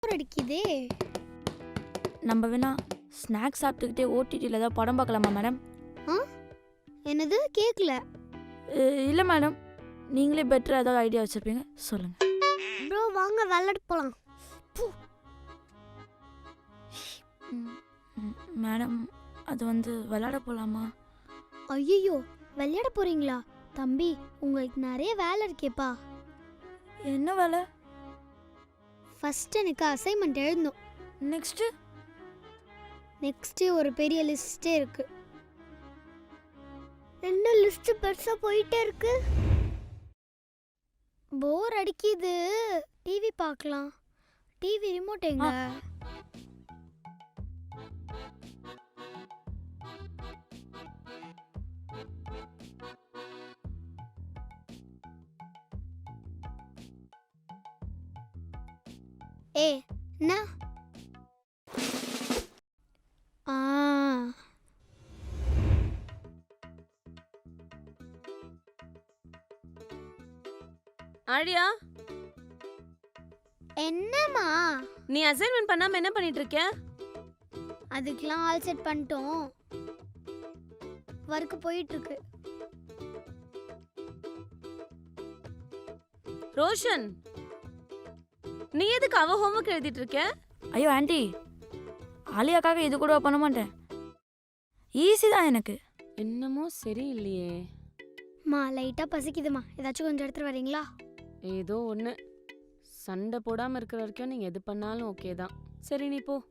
அடிக்குதே. நம்ம வேணா ஸ்நாக்ஸ் சாப்பிட்டுக்கிட்டே ஓடிடியில் ஏதாவது படம் பார்க்கலாமா மேடம்? என்னது கேட்கல? இல்லை மேடம், நீங்களே பெட்டராக ஏதாவது ஐடியா வச்சுருப்பீங்க, சொல்லுங்கள். ப்ரோ வாங்க விளையாட போகலாம். மேடம், அது வந்து விளையாட போகலாமா? ஐயோ விளையாட போறீங்களா? தம்பி உங்களுக்கு நிறைய வேலை இருக்கேப்பா. என்ன வேலை? ஃபர்ஸ்ட் எனக்கு அசைன்மெண்ட் எழுதணும். நெக்ஸ்ட் ஒரு பெரிய லிஸ்டே இருக்கு. என்ன லிஸ்ட் பெருசா போயிட்டே இருக்கு. போர் அடிக்குது. டிவி பார்க்கலாம். டிவி ரிமோட் எங்க? என்ன? ஆழியா, என்னம்மா? நீ அசைன்மெண்ட் பண்ணாம என்ன பண்ணிட்டு இருக்க? அதுக்கெல்லாம் ஆல் செட் பண்ணிட்டோம். வர்க் போயிட்டு இருக்கு. ரோஷன், நீ எதுக்கு அவ ஹோம்வொர்க் எழுதிட்டு இருக்க? ஐயோ ஆண்டி, ஆலியாக்காக இது கூட பண்ண மாட்டேன். ஈஸி தான் எனக்கு. என்னமோ சரியில்லையே. மா லைட்டா பசிக்குதுமா, ஏதாச்சும் கொஞ்சம் எடுத்துட்டு வரீங்களா? ஏதோ ஒன்று. சண்டை போடாமல் இருக்கிற வரைக்கும் நீங்கள் எது பண்ணாலும் ஓகே தான். சரி நீ போ.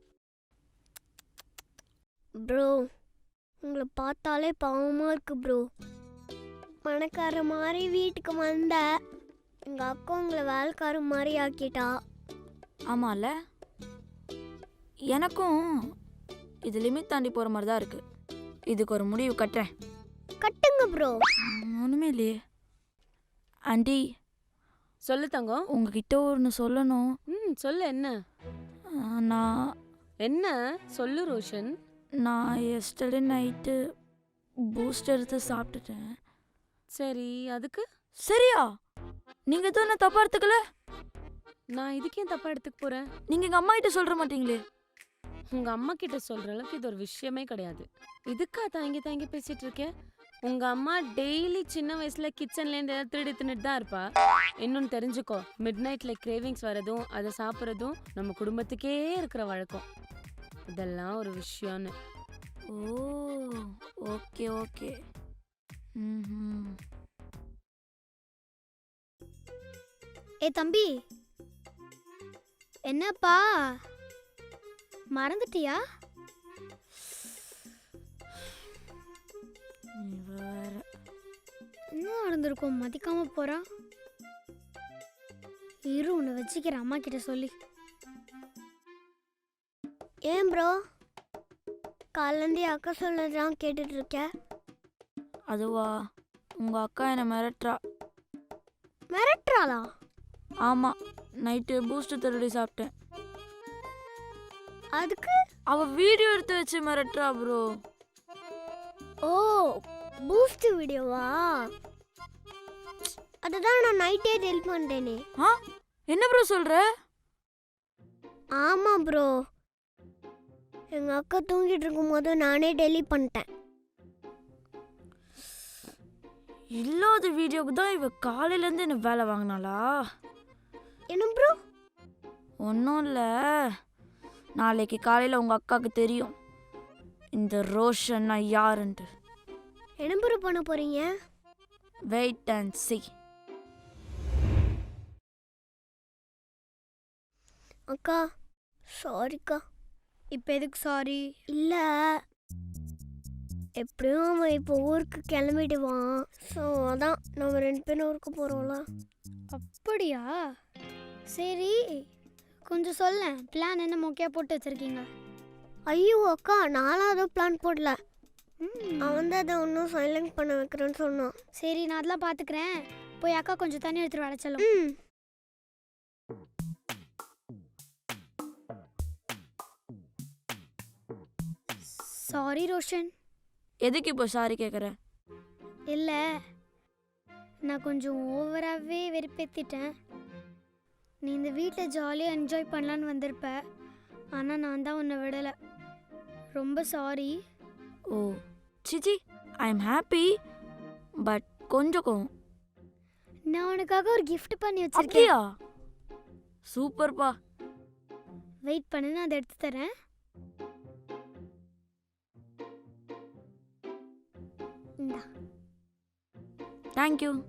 ப்ரோ உங்களை பார்த்தாலே பாவமாக இருக்கு ப்ரோ. பணக்கார மாதிரி வீட்டுக்கு வந்த எங்கள் அக்கா உங்களை வேலைக்கார மாதிரி ஆக்கிட்டா. ஆமாம்ல, எனக்கும் இது லிமிட் தாண்டி போகிற மாதிரி தான் இருக்குது. இதுக்கு ஒரு முடிவு கட்டுறேன். கட்டுங்க ப்ரோ. ஒன்றுமே இல்லையே. ஆண்டி, சொல்லு தங்கம். உங்ககிட்ட ஒன்று சொல்லணும். சொல்லு. என்ன? நான் என்ன சொல்லு ரோஷன். நான் எஸ்டர்டே நைட்டு பூஸ்ட் எடுத்து சாப்பிட்டுட்டேன். சரி, அதுக்கு? சரியா? நீங்கள் எதுவும் என்ன தப்பாக எடுத்துக்கல? நான் இதுக்கே தப்பாக எடுத்துக்க போகிறேன்? நீங்கள் எங்கள் அம்மா கிட்ட சொல்கிற மாட்டீங்களே? உங்கள் அம்மா கிட்ட சொல்கிற அளவுக்கு இது ஒரு விஷயமே கிடையாது. இதுக்கா தாங்கி பேசிகிட்டு இருக்கேன்? உங்கள் அம்மா டெய்லி சின்ன வயசில் கிச்சன்லேருந்து ஏதாவது திருடி தின்னுட்டு தான் இருப்பா. இன்னொன்று தெரிஞ்சுக்கோ, மிட் நைட்டில் கிரேவிங்ஸ் வரதும் அதை சாப்பிட்றதும் நம்ம குடும்பத்துக்கே இருக்கிற வழக்கம். இதெல்லாம் ஒரு விஷயம்னு. ஓ ஓகே ஓகே. ஏ தம்பி, என்னப்பா மறந்துட்டியா? என்ன நடந்திருக்கும்? மதிக்காம போறா. இரு உன்னை வச்சுக்கிற அம்மா கிட்ட சொல்லி. ஏன் ப்ரோ காலேருந்து அக்கா சொல்லதான் கேட்டுட்டு இருக்க? அதுவா, உங்கள் அக்கா என்னை மிரட்டுறா. மிரட்டுறாளா? ஆமாம், நைட்டு பூஸ்ட் திருடி சாப்பிட்டேன். அதுக்கு அவள் வீடியோ எடுத்து வச்சு மிரட்டுறா ப்ரோ. ஓ பூஸ்ட் வீடியோவா? அதுதான் நான் நைட்டே டெலிட் பண்ணிட்டேனே. என்ன ப்ரோ சொல்கிற? ஆமாம் ப்ரோ, எங்கள் அக்கா தூங்கிட்டு இருக்கும்போது நானே டெலிட் பண்ணிட்டேன். இல்லாத வீடியோவுக்கு தான் இவ காலையிலேருந்து என்ன வேலை வாங்கினாளா? என்ன ப்ரோ? ஒன்றும் இல்லை, நாளைக்கு காலையில் உங்கள் அக்காவுக்கு தெரியும் இந்த ரோஷன்னா யாருன்ட்டு. என்ன ப்ரோ பண்ண போகிறீங்க? Wait and see. அக்கா சாரிக்கா. இப்போ எதுக்கு சாரி? இல்லை, எப்படியும் அவன் இப்போ ஊருக்கு கிளம்பிடுவான். ஸோ அதான் நம்ம 2 பேரும் ஊருக்கு போகிறோம்ல. அப்படியா? சரி கொஞ்சம் சொல்ல, பிளான் என்ன மொக்கையாக போட்டு வச்சுருக்கீங்க? ஐயோ அக்கா, நானும் அதுவும் பிளான் போடல. அவன் தான் அதை ஒன்றும் சைலண்ட் பண்ண வைக்கிறேன்னு சொன்னான். சரி நான் அதெல்லாம் பார்த்துக்கிறேன். போய் அக்கா கொஞ்சம் தண்ணி எடுத்துகிட்டு வர சொல்லும். சாரி ரோஷன். எதுக்கு இப்போ சாரி கேட்குற? இல்லை, நான் கொஞ்சம் ஓவராகவே வெறுப்பேற்றிட்டேன். நீ இந்த வீட்டில் ஜாலியாக என்ஜாய் பண்ணலான்னு வந்திருப்ப, ஆனால் நான் தான் உன்னை விடலை. ரொம்ப சாரி. ஓ சிச்சி, ஐ எம் ஹாப்பி, பட் கொஞ்சம் கோவம். நான் உனக்காக ஒரு gift பண்ணி வச்சிருக்கேன். அப்படியா? சூப்பர்ப்பா. வெயிட் பண்ணு, நான் அதை எடுத்து தரேன். இந்தா. தேங்க்யூ.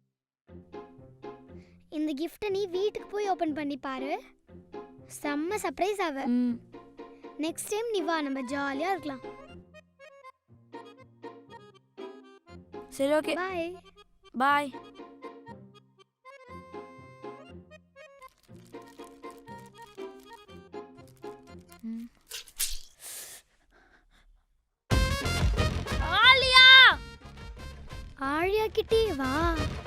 இந்த கிஃப்ட்டை நீ வீட்டுக்கு போய் ஓப்பன் பண்ணி பாரு. செம்ம சர்ப்ரைஸ் ஆவ. ம் நெக்ஸ்ட் டைம் நீ வா, நம்ம ஜாலியாக இருக்கலாம். சரி, ஓகே, பாய். பாய். ஆழியா கிட்டே வா.